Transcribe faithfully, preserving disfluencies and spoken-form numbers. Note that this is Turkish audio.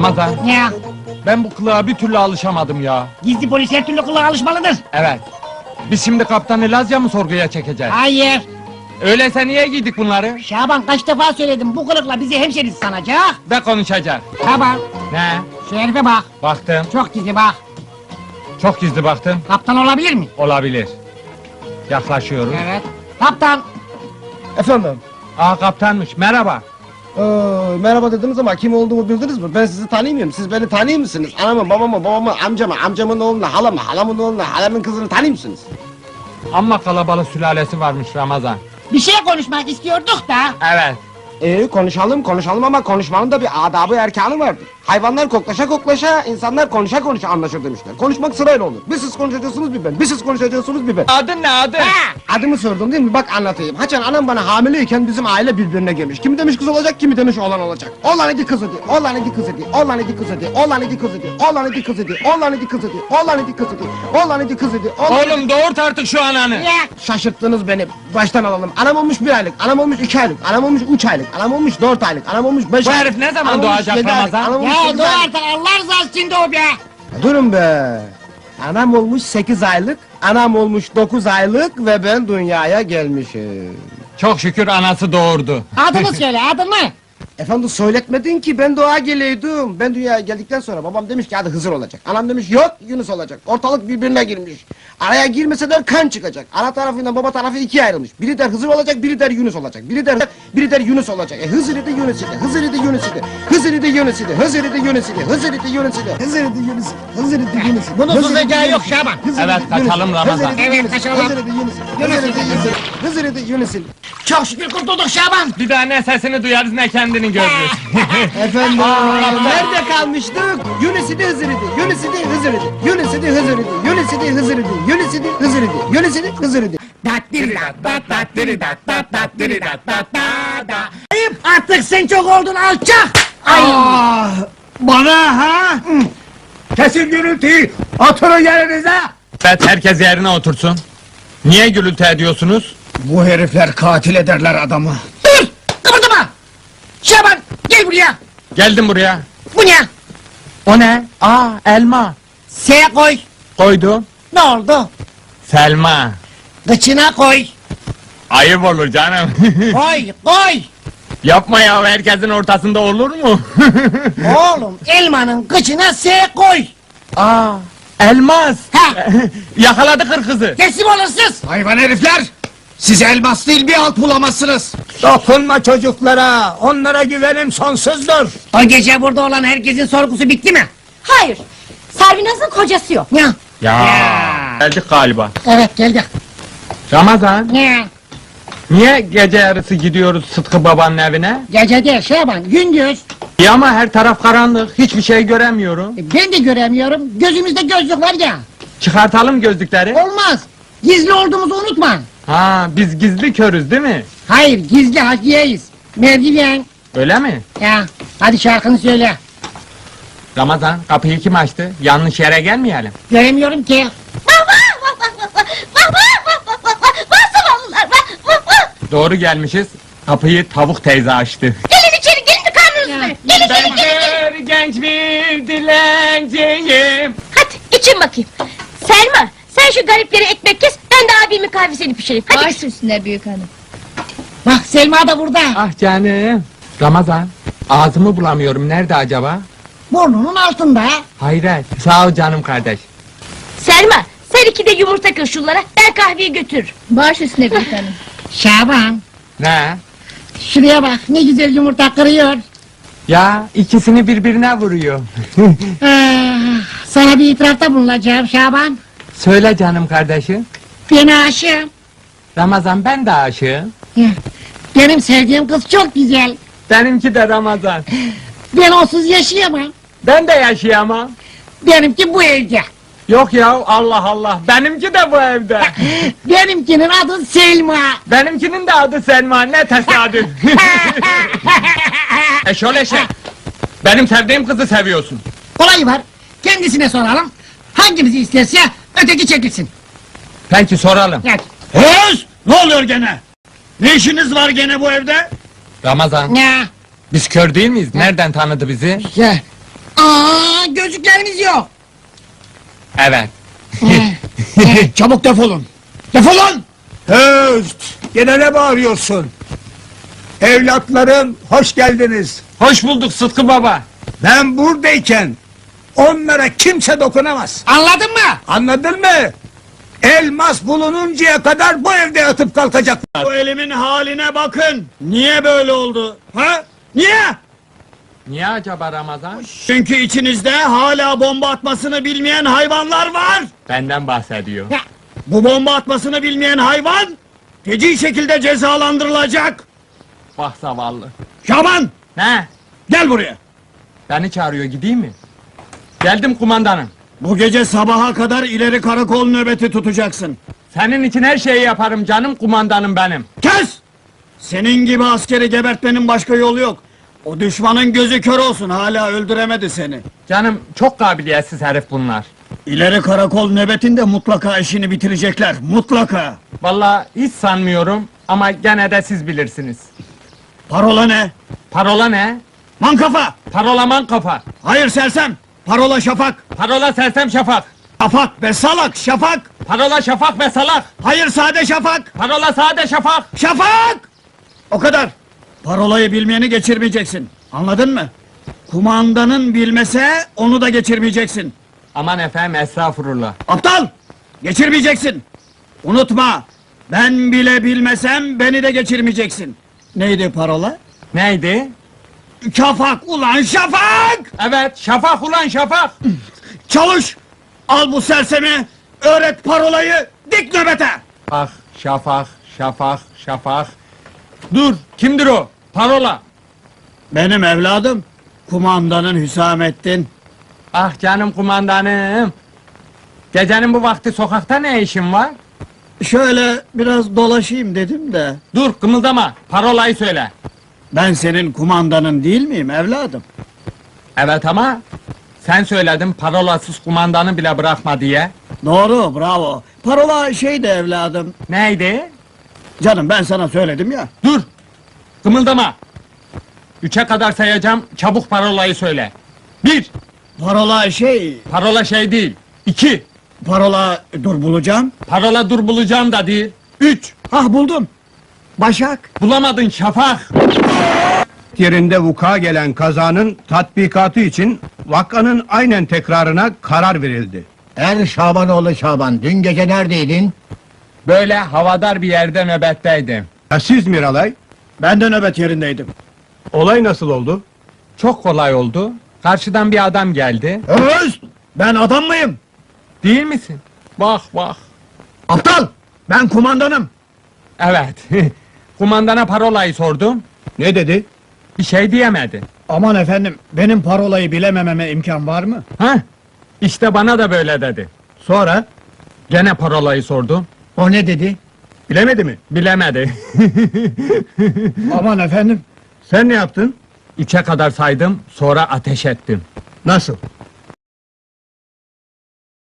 Ramazan, Ya, ben bu kılığa bir türlü alışamadım ya. gizli polis her türlü kulağa alışmalıdır. Evet. Biz şimdi kaptanı Lazya mı sorguya çekeceğiz? Hayır. Öyleyse niye giydik bunları? Şaban kaç defa söyledim, bu kılıkla bizi hemşeriz sanacak. Ve konuşacak. Şaban, Ne? şu herife bak. Baktım. Çok gizli bak. Çok gizli baktım. Kaptan olabilir mi? Olabilir. Yaklaşıyoruz. Evet. Kaptan. Efendim? Aa, kaptanmış. Merhaba. Ee, merhaba dediniz ama kim olduğumu bildiniz mi? Ben sizi tanımıyorum. Siz beni tanıyor musunuz? Anamı, babamı, babamı, amcamı, amcamın oğlunu, halamı, halamın oğlunu, halamın kızını tanıyor musunuz? Amma kalabalık sülalesi varmış Ramazan. Bir şey konuşmak istiyorduk da. Evet. Ee, konuşalım, konuşalım ama konuşmanın da bir adabı erkanı vardır. Hayvanlar koklaşa koklaşa, insanlar konuşa konuşa anlaşır demişler. Konuşmak sırayla olur. Bir siz konuşacaksınız bir ben, bir siz konuşacaksınız bir ben. Adın ne adın? Ha! Adımı sordun değil mi? Bak anlatayım. Haçan anam bana hamileyken bizim aile birbirine girmiş. Kimi demiş kız olacak, kimi demiş oğlan olacak. Oğlan idi kız idi, oğlan idi kız idi, oğlan idi kız idi, oğlan idi kız idi, oğlan idi kız idi, oğlan idi kız idi, oğlan idi kız idi, oğlan idi kız idi, oğlan idi. Oğlum doğurt artık şu ananı. Ya, Şaşırttınız beni. Baştan alalım. Anam olmuş bir aylık, anam olmuş iki aylık, anam olmuş üç aylık, anam olmuş dört aylık, anam olmuş beş Bu aylık. herif ne zaman anam olmuş doğacak yedi aylık, Ramazan? anam olmuş ya sekiz dur aylık. artık, Allah rızası için de o be. Durun be. Anam olmuş sekiz aylık, anam olmuş dokuz aylık ve ben dünyaya gelmişim. Çok şükür anası doğurdu. Adını söyle, adını. Efendim söyletmedin ki ben doğa geleydim. Ben dünyaya geldikten sonra babam demiş ki hadi Hızır olacak. Anam demiş yok Yunus olacak. Ortalık birbirine girmiş. Araya girmeseler kan çıkacak. Ana tarafıyla baba tarafı ikiye ayrılmış. Biri der Hızır olacak, biri der Yunus olacak. Biri der biri der Yunus olacak. E Hızır idi Yunus idi. Hızır idi Yunus idi. Hızır idi Yunus idi. Hızır idi Yunus idi. Hızır idi Yunus idi. Hızır idi Yunus idi. Hızır idi Yunus idi. Bunun Hızır idi susacağı Yunus yok idi. Şaban. Hızır Evet, idi Yunus kaçalım idi. Ramazan. Hızır idi Evet, Yunus idi. kaçalım. Hızır idi Yunus idi. Hızır idi Yunus idi. Hızır idi Yunus idi. Çok şükür kurtulduk Şaban. Bir daha ne sesini duyarız ne kendini görürüz. Efendim, nerede kalmıştık? Yunus idi Hızır idi, Yunus idi Hızır idi, Yunus idi Hızır idi, Yunus idi Hızır idi, Yunus idi Hızır idi, Yunus idi Hızır idi. Ayıp, artık sen çok oldun alçak. Ay. Ah, bana ha? Kesin gürültüyü, oturun yerinize! Evet, herkes yerine otursun. Niye gürültü ediyorsunuz? Bu herifler katil ederler adamı. Dur, kıpırdama. Şaban, gel buraya. Geldim buraya. Bu ne? O ne? Aa, elma. S koy. Koydum. Ne oldu? Selma. Kıçına koy. Ayıp olur canım. Koy, koy. Yapma ya, herkesin ortasında olur mu? Oğlum, elmanın kıçına S koy. Aa, elmas. Ha. Yakaladı kırkızı. Teslim olursunuz. Hayvan herifler! Siz elmas değil bir alt bulamazsınız! Dokunma çocuklara, onlara güvenim sonsuzdur! O gece burada olan herkesin sorgusu bitti mi? Hayır. Servinaz'ın kocası yok. Ya. Ya, Ya. geldik galiba. Evet, geldik. Ramazan, Ya. niye gece yarısı gidiyoruz Sıtkı babanın evine? Gece değil Şaban, gündüz. Ya ama her taraf karanlık, hiçbir şey göremiyorum. E, Ben de göremiyorum, gözümüzde gözlük var ya. Çıkartalım gözlükleri. Olmaz. Gizli olduğumuzu unutma. Ha, biz gizli körüz değil mi? Hayır, gizli hakiyeyiz. Merdiven. Öyle mi? Ya, hadi şarkını söyle. Ramazan, kapıyı kim açtı? Yanlış yere gelmeyelim. Göremiyorum ki. Vah vah vah vah vah vah vah vah vah vah vah zavallılar vah vah vah. Doğru gelmişiz. Kapıyı tavuk teyze açtı. Gelin içeri gelin de karnınızı doyurun. Gelin gelin gelin gelin. genç bir dilenciyim. Hadi için bakayım. Selma sen şu garipleri ekmek kes ben de abimin kahvesini pişireyim. Hadi. Baş üstüne büyük hanım. Bak Selma da burada. Ah canım. Ramazan, ağzımı bulamıyorum. Nerede acaba? Burnunun altında. Hayret. Sağ ol canım kardeş. Selma sen iki de yumurta kır şunlara ben kahveyi götürürüm. Baş üstüne büyük hanım. Şaban, Ne? şuraya bak ne güzel yumurta kırıyor. Ya, ikisini birbirine vuruyor. Ah, sana bir itirafta bulunacağım Şaban. Söyle canım kardeşim. Ben aşığım. Ramazan, ben de aşığım. Ya, benim sevdiğim kız çok güzel. Benimki de Ramazan. Ben onsuz yaşayamam. Ben de yaşayamam. Benimki bu evde. Yok ya, Allah Allah. Benimki de bu evde. Benimkinin adı Selma. Benimkinin de adı Selma. Ne tesadüf. Eşol eşek. Benim sevdiğim kızı seviyorsun. Kolayı var. Kendisine soralım. Hangimizi isterse öteki çekilsin. Peki, soralım. Gel. Öz! Ne oluyor gene? Ne işiniz var gene bu evde? Ramazan, Ya, biz kör değil miyiz? Nereden tanıdı bizi? ya. Aa, gözlüklerimiz yok. Evet. Çabuk defolun. Defolun! Höst! Gene ne bağırıyorsun? Evlatlarım, hoş geldiniz. Hoş bulduk Sıtkı baba. Ben buradayken onlara kimse dokunamaz. Anladın mı? Anladın mı? Elmas bulununcaya kadar bu evde yatıp kalkacaklar. Bu elimin haline bakın. Niye böyle oldu? Ha? Niye? Niye acaba Ramazan? Çünkü içinizde hala bomba atmasını bilmeyen hayvanlar var. Benden bahsediyor. Bu bomba atmasını bilmeyen hayvan feci şekilde cezalandırılacak. Bak zavallı. Şaban, Ne? gel buraya. Beni çağırıyor, gideyim mi? Geldim kumandanım. Bu gece sabaha kadar ileri karakol nöbeti tutacaksın. Senin için her şeyi yaparım canım, kumandanım benim. Kes! Senin gibi askeri gebertmenin başka yolu yok. O düşmanın gözü kör olsun, hala öldüremedi seni. Canım, çok kabiliyetsiz herif bunlar. İleri karakol nöbetinde mutlaka işini bitirecekler, mutlaka. Vallahi hiç sanmıyorum ama gene de siz bilirsiniz. Parola ne? Parola ne? Mankafa! Parolaman kafa. Hayır sersem! Parola şafak! Parola sersem şafak. Şafak be salak! Şafak! Parola şafak ve salak. Hayır sade şafak! Parola sade şafak. Şafak! O kadar! Parolayı bilmeyeni geçirmeyeceksin. Anladın mı? Kumandanın bilmese onu da geçirmeyeceksin. Aman efendim, estağfurullah. Aptal! Geçirmeyeceksin! Unutma! Ben bile bilmesem beni de geçirmeyeceksin. Neydi parola? Neydi? Şafak ulan şafak! Evet, şafak ulan şafak. Çalış! Al bu sersemi, öğret parolayı, dik nöbete! Ah, şafak, şafak, şafak. Dur, kimdir o? Parola. Benim evladım, kumandanın Hüsamettin. Ah canım kumandanım. Gecenin bu vakti sokakta ne işin var? Şöyle biraz dolaşayım dedim de. Dur, kımıldama. Parolayı söyle. Ben senin kumandanın değil miyim evladım? Evet ama sen söyledin parolasız kumandanı bile bırakma diye. Doğru, bravo. Parola şeydi evladım. Neydi? Canım ben sana söyledim ya. Dur! Kımıldama! Üçe kadar sayacağım, çabuk parolayı söyle. Bir! Parola şey, Parola şey değil. İki! parola dur bulacağım. Parola dur bulacağım da değil. Üç! Ah buldum. Başak. Bulamadın şafak! yerinde vuku gelen kazanın tatbikatı için vakanın aynen tekrarına karar verildi. Er Şabanoğlu Şaban, dün gece neredeydin? Böyle havadar bir yerde nöbetteydim. Ya siz Miralay, Ben de nöbet yerindeydim. olay nasıl oldu? Çok kolay oldu. Karşıdan bir adam geldi. Öz! Ben adam mıyım? Değil misin? Bak bak. Aptal! Ben kumandanım. Evet. Kumandana parolayı sordum. Ne dedi? Bir şey diyemedi. Aman efendim, benim parolayı bilemememe imkan var mı? Ha? İşte bana da böyle dedi. Sonra? Gene parolayı sordum. O ne dedi? Bilemedi mi? Bilemedi. Aman efendim. Sen ne yaptın? Üçe kadar saydım, sonra ateş ettim. Nasıl?